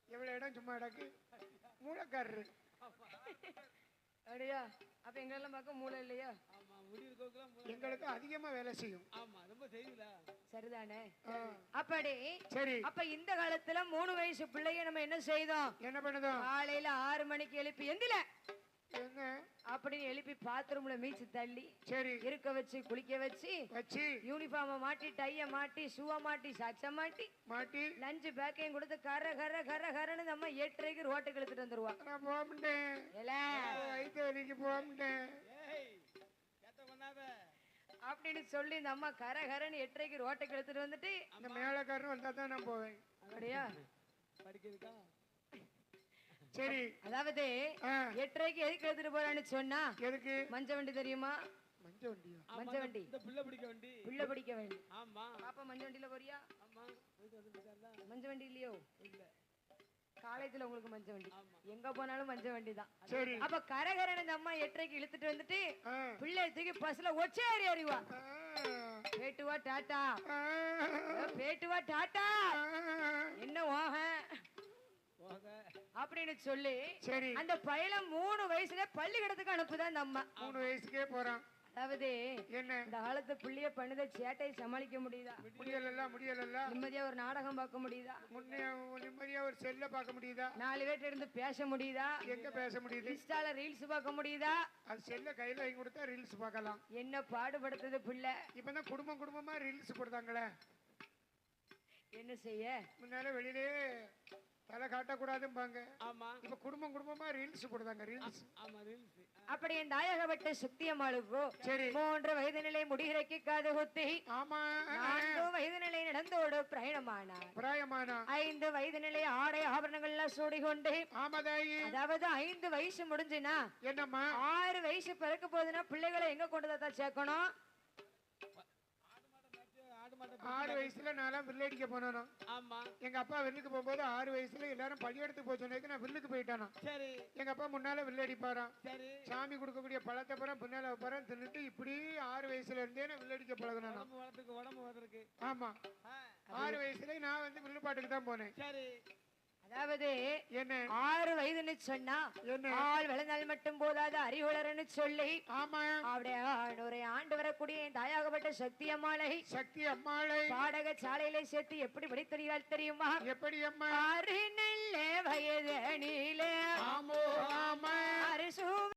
எவ்வளவு இடம் சும்மா இடக்கு மூளைக்காரரு அப்படியா? அப்ப எங்களெல்லாம் பார்க்க மூளை இல்லையா? எங்களுக்கு அதிகமா வேலை செய்யும். சரிதானே? அப்படி சரி. அப்ப இந்த காலத்துல 3 வயசு பிள்ளைய நம்ம என்ன செய்தோம்? என்ன பண்ணுதோம்? காலையில 6 மணிக்கு எழுப்பி எந்தில என்ன அப்படின்னு எழுப்பி பாத்ரூம்ல மீச்சு தள்ளி சரி இருக்க வச்சு குளிக்க வச்சு யூனிஃபார்ம மாட்டி டைய மாட்டி ஷூவை மாட்டி சாக்ஸ மாட்டி மாட்டி லஞ்ச் பேக்கையும் கொடுத்து கர கர கர கரன்னு நம்ம 8:30க்கு ரோட்டுக்கு எடுத்துட்டு வந்துருவா. நான் போக மாட்டேன் அப்படின்னு சொல்லி இந்த அம்மா கர கரன்னு 8:30க்கு ரோட்டுக்கு எடுத்துட்டு வந்துட்டு அந்த மேலக்காரன் வந்தா தான் நான் போவேன். அப்படியா? படிக்கிறதுக்கா? சரி. அதாவது 8:30க்கு எதுக்கு எடுத்துட்டு போறான்னு சொன்னா எதுக்கு? மஞ்ச வண்டி தெரியுமா? மஞ்ச வண்டியா? மஞ்ச வண்டி இந்த புள்ள பிடிக்க வண்டி. புள்ள பிடிக்க வண்டி. ஆமா. பாப்பா மஞ்ச வண்டில போறியா? ஆமா. மஞ்ச வண்டி இல்லையோ? இல்ல. காலேஜ்ல உங்களுக்கு மஞ்ச வண்டி. எங்க போனாலும் மஞ்ச வண்டி தான். சரி. அப்ப கரகரன இந்த அம்மா 8:30க்கு இழுத்துட்டு வந்துட்டு பிள்ளை தூக்கி பஸ்ல ஒச்சே ஏறி அறிவா. பேட்டுவா டாடா. பேட்டுவா டாடா. என்ன ஓஹ அப்படின்னு சொல்லி அந்த பையன் 3 வயசுல பள்ளிக்கூடத்துக்கு அனுப்புதான் அந்த அம்மா. 3 வயசுக்கே போறான். அதாவது என்ன இந்த காலத்து பிள்ளைய பண்ணுத சேட்டையை சமாளிக்க முடியுதா? முடியல. நிம்மதியா ஒரு நாடகம் பார்க்க முடியுதா? நிம்மதியா ஒரு செல்ல பார்க்க முடியுதா? 4 பேர்ட்ட இருந்து பேச முடியுதா? எங்க பேச முடியுது? இன்ஸ்டால ரீல்ஸ் பார்க்க முடியுதா? அது செல்ல கையில வாங்கி கொடுத்தா ரீல்ஸ் பார்க்கலாம். என்ன பாடுபடுத்துது பிள்ளை? இப்பதான் குடும்பமா ரீல்ஸ் கொடுத்தாங்களே. என்ன செய்ய? முன்னால வெளியிலே தலை காட்டக்கூடாதும்பாங்க. ஆமா. இப்ப குடும்பமா ரீல்ஸ் போடுறாங்க. ரீல்ஸ். ஆமா ரீல்ஸ். அப்படி என் தாயகப்பட்ட சுத்தியம்மாளுக்கோ சரி 3 வயது நிலை முடிகிறக்கி காது குத்தி. ஆமா. 4 வயது நிலை நடந்தோடு பிரயாணமானார். 5 வயது நிலை ஆடை ஆபரணங்கள் எல்லாம் சூடிக்கொண்டு. ஆமாதாயி. அதாவது 5 வயசு முடிஞ்சுனா என்னம்மா 6 வயசு பிறக்க போகுதுன்னா பிள்ளைகளை எங்க கொண்டுதான் சேர்க்கணும்? 6 வயசுல நான் வில்லடிக்க போனானோ. ஆமா. எங்க அப்பா வில்லுக்கு போகும்போது 6 வயசுல எல்லாரும் பள்ளியெடுத்து போச்சோன்னே நான் வில்லுக்கு போயிட்டானோ. சரி. எங்க அப்பா முன்னால வில்லடிப்பாராம். சரி. சாமி கொடுக்கக்கூடிய பழத்தை பரம் பின்னால வைப்பாராம். தின்னுட்டு இப்படி 6 வயசுல இருந்தே நான் வில்லடிக்க பழகினானோ. உடம்பு வளர்றதுக்கு. ஆமா. 6 வயசுல நான் வில்லு பாட்டுக்கு தான் போனேன். சரி. அதாவது என்ன 6 வயதுன்னு சொன்னா ஆள் வளர்ந்தால் மட்டும் போதாது அறிவுளர்னு சொல்லி. ஆமா. அப்படியே 100 ஆண்டு வரக்கூடிய தாயாகப்பட்ட சக்தி அம்மாளை பாடக சாலையில சேர்த்து எப்படி படித்தறியால் தெரியுமா? எப்படி அம்மா? 6 நல்ல வயது நீல. ஆமோ ஆமா.